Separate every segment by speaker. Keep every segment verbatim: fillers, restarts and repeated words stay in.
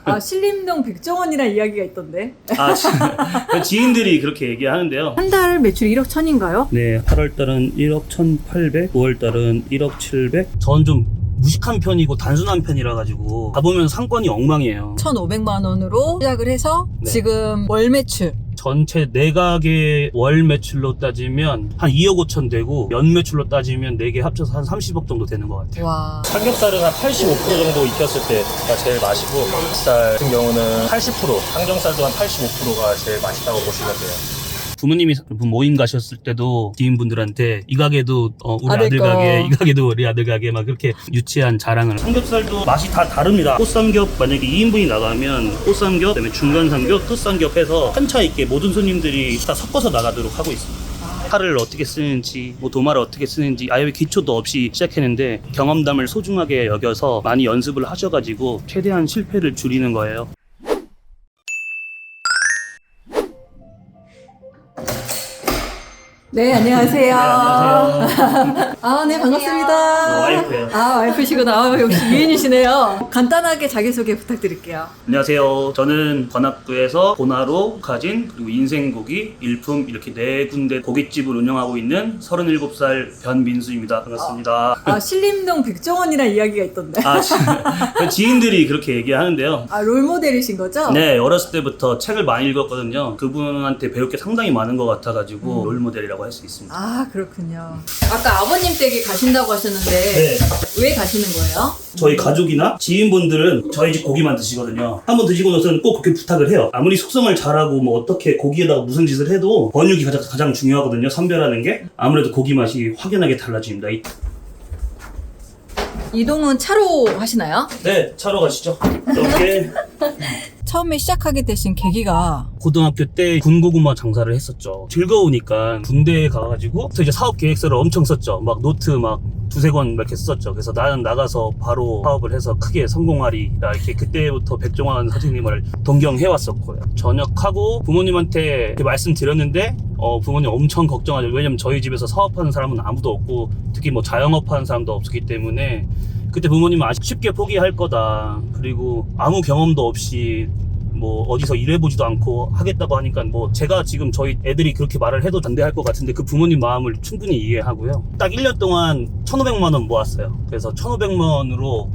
Speaker 1: 아, 신림동 백종원이란 이야기가 있던데.
Speaker 2: 아, 지, 지인들이 그렇게 얘기하는데요.
Speaker 1: 한 달 매출 일억 천인가요?
Speaker 2: 네, 팔월달은 일억 천팔백, 구월달은 일억 칠백. 전 좀 무식한 편이고 단순한 편이라 가지고 가보면 상권이 엉망이에요.
Speaker 1: 천오백만 원으로 시작을 해서
Speaker 2: 네.
Speaker 1: 지금 월 매출
Speaker 2: 전체 내각의 월 매출로 따지면 한 이억 오천 되고 연 매출로 따지면 네 개 합쳐서 한 삼십억 정도 되는 것 같아요.
Speaker 1: 와.
Speaker 3: 삼겹살은 한 팔십오 퍼센트 정도 익혔을 때가 제일 맛이고, 닭살 같은 경우는 팔십 퍼센트, 항정살도 한 팔십오 퍼센트가 제일 맛있다고 보시면 돼요.
Speaker 2: 부모님이 모임 가셨을 때도 지인분들한테 이 가게도 어, 우리
Speaker 1: 아들
Speaker 2: 아들
Speaker 1: 거.
Speaker 2: 가게, 이 가게도 우리 아들 가게 막 그렇게 유치한 자랑을. 삼겹살도 맛이 다 다릅니다. 꽃삼겹 만약에 이 인분이 나가면 꽃삼겹, 그다음에 중간 삼겹, 끝삼겹 해서 한차 있게 모든 손님들이 다 섞어서 나가도록 하고 있습니다. 칼을 어떻게 쓰는지, 뭐 도마를 어떻게 쓰는지 아예 기초도 없이 시작했는데 경험담을 소중하게 여겨서 많이 연습을 하셔가지고 최대한 실패를 줄이는 거예요.
Speaker 1: 네, 안녕하세요.
Speaker 2: 안녕하세요.
Speaker 1: 아, 네, 반갑습니다.
Speaker 2: 어, 와이프예요.
Speaker 1: 아, 와이프시구나. 아, 역시 미인이시네요. 간단하게 자기소개 부탁드릴게요.
Speaker 2: 안녕하세요. 저는 관악구에서 보나로, 가진, 그리고 인생고기, 일품 이렇게 네 군데 고깃집을 운영하고 있는 서른일곱 살 변민수입니다. 반갑습니다.
Speaker 1: 아, 신림동 백종원이란 이야기가 있던데.
Speaker 2: 아, 지, 지인들이 그렇게 얘기하는데요.
Speaker 1: 아, 롤모델이신 거죠?
Speaker 2: 네, 어렸을 때부터 책을 많이 읽었거든요. 그분한테 배울 게 상당히 많은 것 같아가지고
Speaker 1: 음.
Speaker 2: 롤모델이라고 할 수 있습니다.
Speaker 1: 아, 그렇군요. 아까 아버님 댁에 가신다고 하셨는데
Speaker 2: 네.
Speaker 1: 왜 가시는 거예요?
Speaker 2: 저희 가족이나 지인분들은 저희 집 고기만 드시거든요. 한번 드시고 나서는 꼭 그렇게 부탁을 해요. 아무리 숙성을 잘하고 뭐 어떻게 고기에다가 무슨 짓을 해도 번육이 가장, 가장 중요하거든요. 선별하는 게. 아무래도 고기 맛이 확연하게 달라집니다. 이-
Speaker 1: 이동은 차로 하시나요?
Speaker 2: 네, 차로 가시죠. 이렇게
Speaker 1: 처음에 시작하게 되신 계기가
Speaker 2: 고등학교 때 군고구마 장사를 했었죠. 즐거우니까 군대에 가가지고 또 이제 사업 계획서를 엄청 썼죠. 막 노트 막 두세 권 이렇게 썼죠. 그래서 나는 나가서 바로 사업을 해서 크게 성공하리라 이렇게 그때부터 백종원 선생님을 동경해왔었고요. 전역하고 부모님한테 이렇게 말씀드렸는데 어, 부모님 엄청 걱정하죠. 왜냐면 저희 집에서 사업하는 사람은 아무도 없고 특히 뭐 자영업 하는 사람도 없었기 때문에 그때 부모님은 아직 쉽게 포기할 거다. 그리고 아무 경험도 없이 뭐 어디서 일해보지도 않고 하겠다고 하니까 뭐 제가 지금 저희 애들이 그렇게 말을 해도 반대할 것 같은데 그 부모님 마음을 충분히 이해하고요. 딱 일 년 동안 천오백만 원 모았어요. 그래서 천오백만 원으로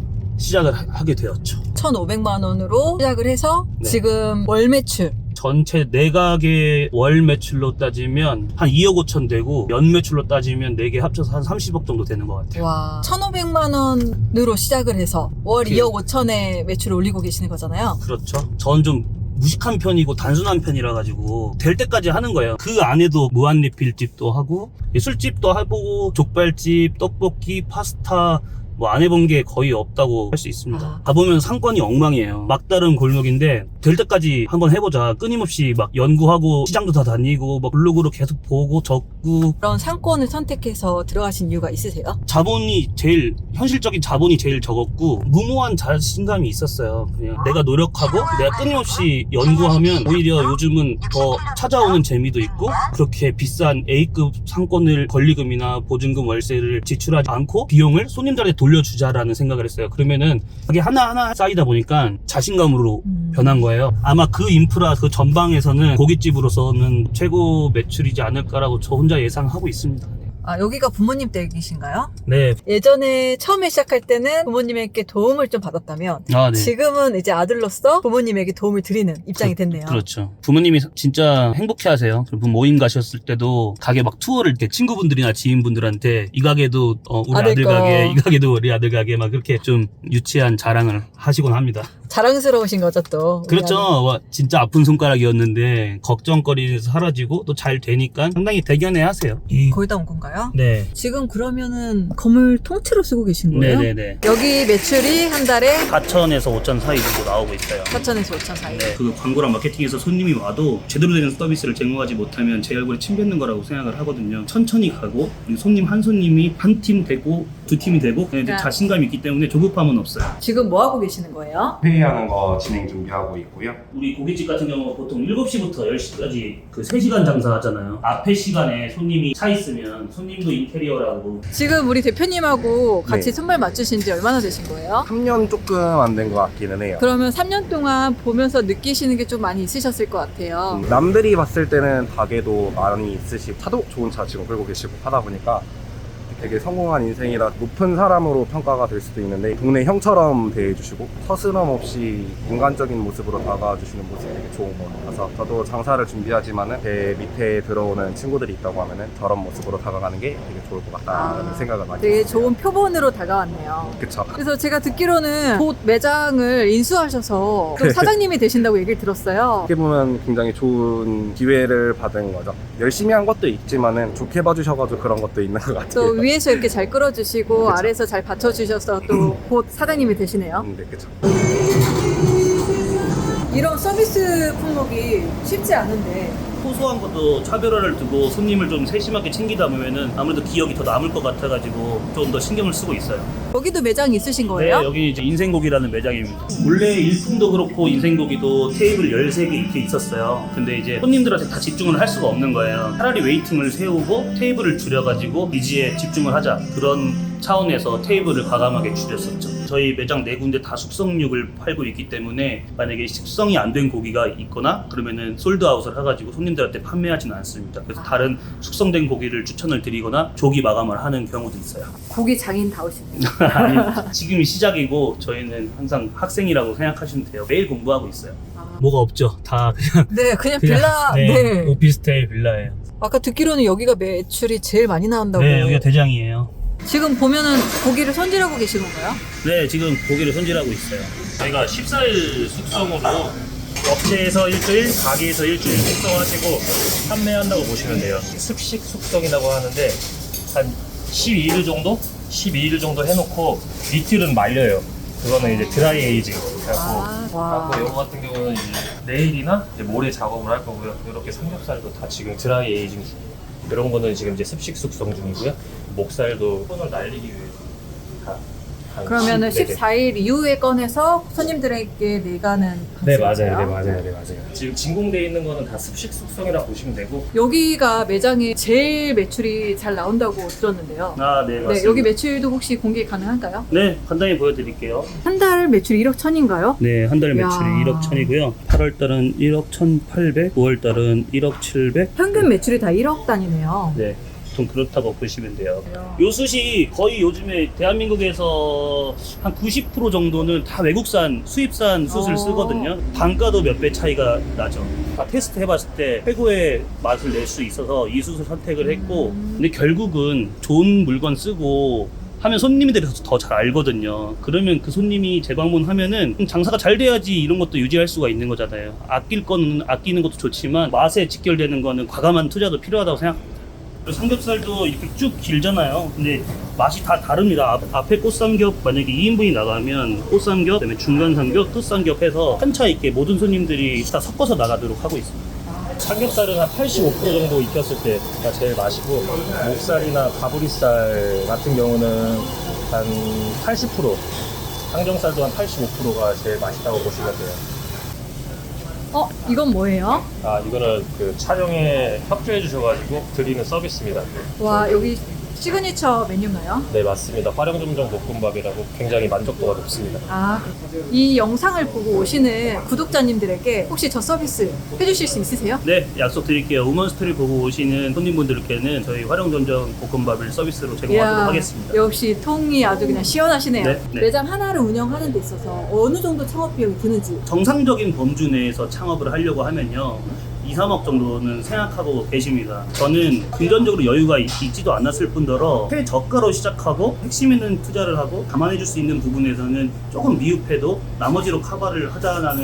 Speaker 2: 시작을 하- 하게 되었죠.
Speaker 1: 천오백만 원으로 시작을 해서
Speaker 2: 네.
Speaker 1: 지금 월 매출
Speaker 2: 전체 내각의 월 매출로 따지면 한 이억 오천 되고 연 매출로 따지면 네 개 합쳐서 한 삼십억 정도 되는 것 같아요.
Speaker 1: 와, 천오백만 원으로 시작을 해서 월
Speaker 2: 그-
Speaker 1: 이억 오천에 매출을 올리고 계시는 거잖아요.
Speaker 2: 그렇죠. 전 좀 무식한 편이고 단순한 편이라 가지고 될 때까지 하는 거예요. 그 안에도 무한리필집도 하고 술집도 해보고 족발집, 떡볶이, 파스타 뭐 안 해본 게 거의 없다고 할 수 있습니다.
Speaker 1: 아.
Speaker 2: 가보면 상권이 엉망이에요. 막다른 골목인데 될 때까지 한번 해보자. 끊임없이 막 연구하고 시장도 다 다니고 막 블로그로 계속 보고 적고.
Speaker 1: 그런 상권을 선택해서 들어가신 이유가 있으세요?
Speaker 2: 자본이 제일 현실적인 자본이 제일 적었고 무모한 자신감이 있었어요. 그냥 내가 노력하고 내가 끊임없이 연구하면 오히려 요즘은 더 찾아오는 재미도 있고 그렇게 비싼 A급 상권을 권리금이나 보증금 월세를 지출하지 않고 비용을 손님들한테 돌려주자라는 생각을 했어요. 그러면은 그게 하나하나 쌓이다 보니까 자신감으로
Speaker 1: 음.
Speaker 2: 변한 거예요. 아마 그 인프라 그 전방에서는 고깃집으로서는 최고 매출이지 않을까라고 저 혼자 예상하고 있습니다.
Speaker 1: 아, 여기가 부모님 댁이신가요?
Speaker 2: 네.
Speaker 1: 예전에 처음에 시작할 때는 부모님에게 도움을 좀 받았다면
Speaker 2: 아, 네.
Speaker 1: 지금은 이제 아들로서 부모님에게 도움을 드리는 입장이 됐네요.
Speaker 2: 그렇죠. 부모님이 진짜 행복해 하세요. 모임 가셨을 때도 가게 막 투어를 때 친구분들이나 지인분들한테 이 가게도 어, 우리
Speaker 1: 아들
Speaker 2: 아들
Speaker 1: 거.
Speaker 2: 가게, 이 가게도 우리 아들 가게 막 그렇게 좀 유치한 자랑을 하시곤 합니다.
Speaker 1: 자랑스러우신 거죠, 또. 우리
Speaker 2: 그렇죠.
Speaker 1: 아들.
Speaker 2: 와, 진짜 아픈 손가락이었는데 걱정거리에서 사라지고 또 잘 되니까 상당히 대견해 하세요. 이...
Speaker 1: 거의 다 온 건가요?
Speaker 2: 네.
Speaker 1: 지금 그러면은 건물 통째로 쓰고 계신 거예요?
Speaker 2: 네네네.
Speaker 1: 여기 매출이 한 달에
Speaker 2: 사천에서 오천 사이 정도 나오고 있어요.
Speaker 1: 사천에서 오천 사이.
Speaker 2: 네, 그 광고랑 마케팅에서 손님이 와도 제대로 된 서비스를 제공하지 못하면 제 얼굴에 침 뱉는 거라고 생각을 하거든요. 천천히 가고 그리고 손님 한 손님이 한 팀 되고 두 팀이 되고 그냥 이제
Speaker 1: 그러니까-
Speaker 2: 자신감이 있기 때문에 조급함은 없어요.
Speaker 1: 지금 뭐 하고 계시는 거예요?
Speaker 4: 네, 준비하는 거 진행 준비하고 있고요.
Speaker 2: 우리 고깃집 같은 경우 보통 일곱 시부터 열 시까지 그 세 시간 장사하잖아요. 앞에 시간에 손님이 차 있으면 손님도 인테리어라고.
Speaker 1: 지금 우리 대표님하고 같이
Speaker 4: 네.
Speaker 1: 손발 맞추신 지 얼마나 되신 거예요?
Speaker 4: 삼 년 조금 안 된 것 같기는 해요.
Speaker 1: 그러면 삼 년 동안 보면서 느끼시는 게 좀 많이 있으셨을 것 같아요.
Speaker 4: 음, 남들이 봤을 때는 가게도 많이 있으시고 차도 좋은 차 지금 끌고 계시고 하다 보니까 되게 성공한 인생이라 높은 사람으로 평가가 될 수도 있는데 동네 형처럼 대해주시고 서스럼 없이 인간적인 모습으로 다가와 주시는 모습이 되게 좋은 것 같아서 저도 장사를 준비하지만은 제 밑에 들어오는 친구들이 있다고 하면은 저런 모습으로 다가가는 게 되게 좋을 것 같다는
Speaker 1: 아,
Speaker 4: 생각을 많이
Speaker 1: 되게
Speaker 4: 했어요.
Speaker 1: 좋은 표본으로 다가왔네요.
Speaker 4: 그쵸.
Speaker 1: 그래서 제가 듣기로는 곧 매장을 인수하셔서 또
Speaker 4: 네.
Speaker 1: 사장님이 되신다고 얘기를 들었어요.
Speaker 4: 어떻게 보면 굉장히 좋은 기회를 받은 거죠. 열심히 한 것도 있지만은 좋게 봐주셔가지고 그런 것도 있는 것 같아요.
Speaker 1: 또 위에서 이렇게 잘 끌어주시고
Speaker 4: 그쵸.
Speaker 1: 아래에서 잘 받쳐주셔서 또 곧 사장님이 되시네요.
Speaker 4: 음, 네, 그쵸.
Speaker 1: 이런 서비스 품목이 쉽지 않은데
Speaker 2: 소소한 것도 차별화를 두고 손님을 좀 세심하게 챙기다 보면은 아무래도 기억이 더 남을 것 같아가지고 좀 더 신경을 쓰고 있어요.
Speaker 1: 여기도 매장이 있으신 거예요?
Speaker 2: 네, 여기 이제 인생고기라는 매장입니다. 원래 일품도 그렇고 인생고기도 테이블 열세 개 이렇게 있었어요. 근데 이제 손님들한테 다 집중을 할 수가 없는 거예요. 차라리 웨이팅을 세우고 테이블을 줄여가지고 니즈에 집중을 하자. 그런 차원에서 테이블을 과감하게 줄였었죠. 저희 매장 네 군데 다 숙성육을 팔고 있기 때문에 만약에 숙성이 안 된 고기가 있거나 그러면은 솔드아웃을 해가지고 손님들한테 판매하지는 않습니다. 그래서 다른 숙성된 고기를 추천을 드리거나 조기 마감을 하는 경우도 있어요.
Speaker 1: 고기 장인다우시네요.
Speaker 2: 아니, 지금이 시작이고 저희는 항상 학생이라고 생각하시면 돼요. 매일 공부하고 있어요.
Speaker 1: 아.
Speaker 2: 뭐가 없죠. 다 그냥
Speaker 1: 네, 그냥 빌라. 네.
Speaker 2: 오피스텔 빌라예요.
Speaker 1: 아까 듣기로는 여기가 매출이 제일 많이 나온다고.
Speaker 2: 네, 여기가 대장이에요.
Speaker 1: 지금 보면은 고기를 손질하고 계신 건가요?
Speaker 2: 네, 지금 고기를 손질하고 있어요. 저희가 십사 일 숙성으로 업체에서 일주일, 가게에서 일주일 숙성하시고 판매한다고 보시면 돼요.
Speaker 3: 습식 숙성이라고 하는데 한 십이 일 정도? 십이 일 정도 해놓고 이틀은 말려요. 그거는 이제 드라이 에이징. 그래갖고
Speaker 1: 아, 와.
Speaker 3: 하고 이거 같은 경우는 이제 내일이나 이제 모레 작업을 할 거고요. 이렇게 삼겹살도 다 지금 드라이 에이징 중이에요. 이런 거는 지금 이제 습식 숙성 중이고요. 목살도 손을 날리기 위해서 다. 한
Speaker 1: 그러면은
Speaker 3: 십- 네네.
Speaker 1: 십사 일 이후에 꺼내서 손님들에게 내가는
Speaker 3: 네
Speaker 1: 방식인가요?
Speaker 3: 맞아요, 네 맞아요, 네 맞아요. 지금 진공돼 있는 거는 다 습식 숙성이라 보시면 되고.
Speaker 1: 여기가 매장에 제일 매출이 잘 나온다고 들었는데요.
Speaker 2: 아, 네, 맞습니다.
Speaker 1: 네, 여기 매출도 혹시 공개 가능한가요?
Speaker 2: 네, 간단히 보여드릴게요.
Speaker 1: 한 달 매출 일억 천인가요?
Speaker 2: 네, 한 달
Speaker 1: 이야.
Speaker 2: 매출이 일억 천이고요. 팔월 달은 일억 천팔백, 구월 달은 일억 칠백.
Speaker 1: 평균 매출이 다 일억 단위네요.
Speaker 2: 네, 좀 그렇다고 보시면 돼요. 요 숯이 거의 요즘에 대한민국에서 한 구십 퍼센트 정도는 다 외국산, 수입산 숯을
Speaker 1: 어.
Speaker 2: 쓰거든요. 단가도 몇 배 차이가 나죠. 다 테스트 해봤을 때 최고의 맛을 낼 수 있어서 이 숯을 선택을 했고, 근데 결국은 좋은 물건 쓰고 하면 손님들이 더 잘 알거든요. 그러면 그 손님이 재방문하면은 장사가 잘 돼야지 이런 것도 유지할 수가 있는 거잖아요. 아낄 거는 아끼는 것도 좋지만 맛에 직결되는 거는 과감한 투자도 필요하다고 생각합니다. 삼겹살도 이렇게 쭉 길잖아요. 근데 맛이 다 다릅니다. 앞, 앞에 꽃삼겹 만약에 이 인분이 나가면 꽃삼겹, 그다음에 중간 삼겹, 끝삼겹 해서 한차 있게 모든 손님들이 다 섞어서 나가도록 하고 있습니다.
Speaker 3: 삼겹살은 한 팔십오 퍼센트 정도 익혔을 때가 제일 맛이고, 목살이나 가브리살 같은 경우는 한 팔십 퍼센트, 항정살도 한 팔십오 퍼센트가 제일 맛있다고 보시면 돼요.
Speaker 1: 어, 이건 뭐예요?
Speaker 3: 아, 이거는 그 촬영에 협조해 주셔가지고 드리는 서비스입니다.
Speaker 1: 와, 여기 시그니처 메뉴인가요?
Speaker 3: 네, 맞습니다. 화령점정 볶음밥이라고 굉장히 만족도가 높습니다.
Speaker 1: 아, 이 영상을 보고 오시는 구독자님들에게 혹시 저 서비스 해주실 수 있으세요?
Speaker 2: 네, 약속 드릴게요. 우먼스토리 보고 오시는 손님분들께는 저희 활용전정 볶음밥을 서비스로 제공하도록
Speaker 1: 이야,
Speaker 2: 하겠습니다.
Speaker 1: 역시 통이 아주 그냥 시원하시네요.
Speaker 2: 네, 네.
Speaker 1: 매장 하나를 운영하는 데 있어서 어느 정도 창업 비용이 드는지.
Speaker 2: 정상적인 범주 내에서 창업을 하려고 하면요, 이, 삼억 정도는 생각하고 계십니다. 저는 금전적으로 여유가 있, 있지도 않았을 뿐더러 최저가로 시작하고 핵심 있는 투자를 하고 감안해 줄 수 있는 부분에서는 조금 미흡해도 나머지로 커버를 하자라는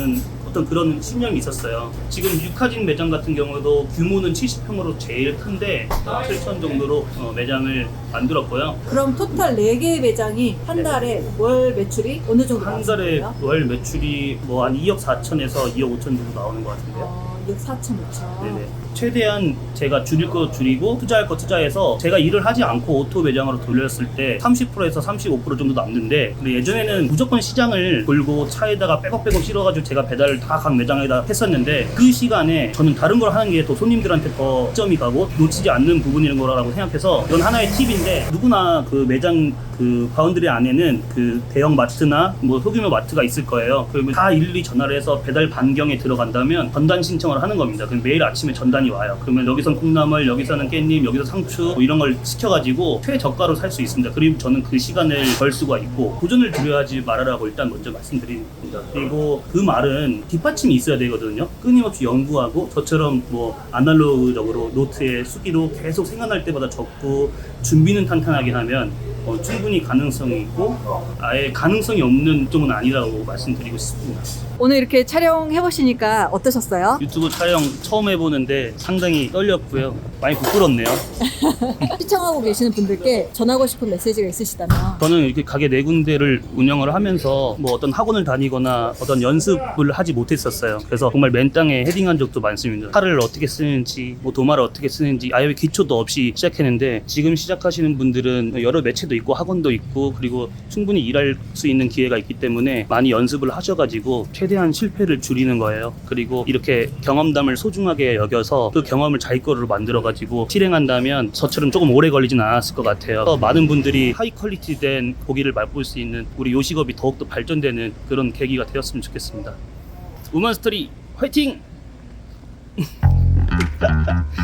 Speaker 2: 어떤 그런 신념이 있었어요. 지금 유카진 매장 같은 경우도 규모는 칠십 평으로 제일 큰데 칠천 정도로 어, 매장을 만들었고요.
Speaker 1: 그럼 토탈 네 개의 매장이 한
Speaker 2: 네.
Speaker 1: 달에 월 매출이 어느 정도
Speaker 2: 한 달에
Speaker 1: 나왔어요?
Speaker 2: 월 매출이 뭐 한 이억 사천에서 이억 오천 정도 나오는 것 같은데요.
Speaker 1: 어, 이억 사천, 오천.
Speaker 2: 네네. 최대한 제가 줄일 거 줄이고 투자할 거 투자해서 제가 일을 하지 않고 오토 매장으로 돌렸을 때 삼십 퍼센트에서 삼십오 퍼센트 정도 남는데, 근데 예전에는 무조건 시장을 돌고 차에다가 빼곡빼곡 실어가지고 제가 배달을 다 각 매장에다 했었는데, 그 시간에 저는 다른 걸 하는 게 더 손님들한테 더 점이 가고 놓치지 않는 부분인 거라고 생각해서, 이건 하나의 팁인데, 누구나 그 매장 그 바운드리 안에는 그 대형 마트나 뭐 소규모 마트가 있을 거예요. 그러면 다 일일이 전화를 해서 배달 반경에 들어간다면 전단 신청을 하는 겁니다. 그럼 매일 아침에 전단이 와요. 그러면 여기선 콩나물, 여기서는 깻잎, 여기서 상추 뭐 이런 걸 시켜가지고 최저가로 살 수 있습니다. 그리고 저는 그 시간을 벌 수가 있고, 도전을 두려워하지 말아라고 일단 먼저 말씀드립니다. 그리고 그 말은 뒷받침이 있어야 되거든요. 끊임없이 연구하고 저처럼 뭐 아날로그적으로 노트에 수기로 계속 생각날 때마다 적고 준비는 탄탄하게 하면 어, 충분히 가능성이 있고, 아예 가능성이 없는 쪽은 아니라고 말씀드리고 싶습니다.
Speaker 1: 오늘 이렇게 촬영해보시니까 어떠셨어요?
Speaker 2: 유튜브 촬영 처음 해보는데 상당히 떨렸고요. 많이 부끄럽네요.
Speaker 1: 시청하고 계시는 분들께 전하고 싶은 메시지가 있으시다면?
Speaker 2: 저는 이렇게 가게 네 군데를 운영을 하면서 뭐 어떤 학원을 다니거나 어떤 연습을 하지 못했었어요. 그래서 정말 맨 땅에 헤딩한 적도 많습니다. 칼을 어떻게 쓰는지, 뭐 도마를 어떻게 쓰는지 아예 기초도 없이 시작했는데, 지금 시작하시는 분들은 여러 매체도 있고 학원도 있고 그리고 충분히 일할 수 있는 기회가 있기 때문에 많이 연습을 하셔가지고 최대한 실패를 줄이는 거예요. 그리고 이렇게 경험담을 소중하게 여겨서 그 경험을 자기 거로 만들어가지고 실행한다면 저처럼 조금 오래 걸리진 않았을 것 같아요. 더 많은 분들이 하이 퀄리티 된 고기를 맛볼 수 있는 우리 요식업이 더욱더 발전되는 그런 계기가 되었으면 좋겠습니다. 우먼스토리 화이팅!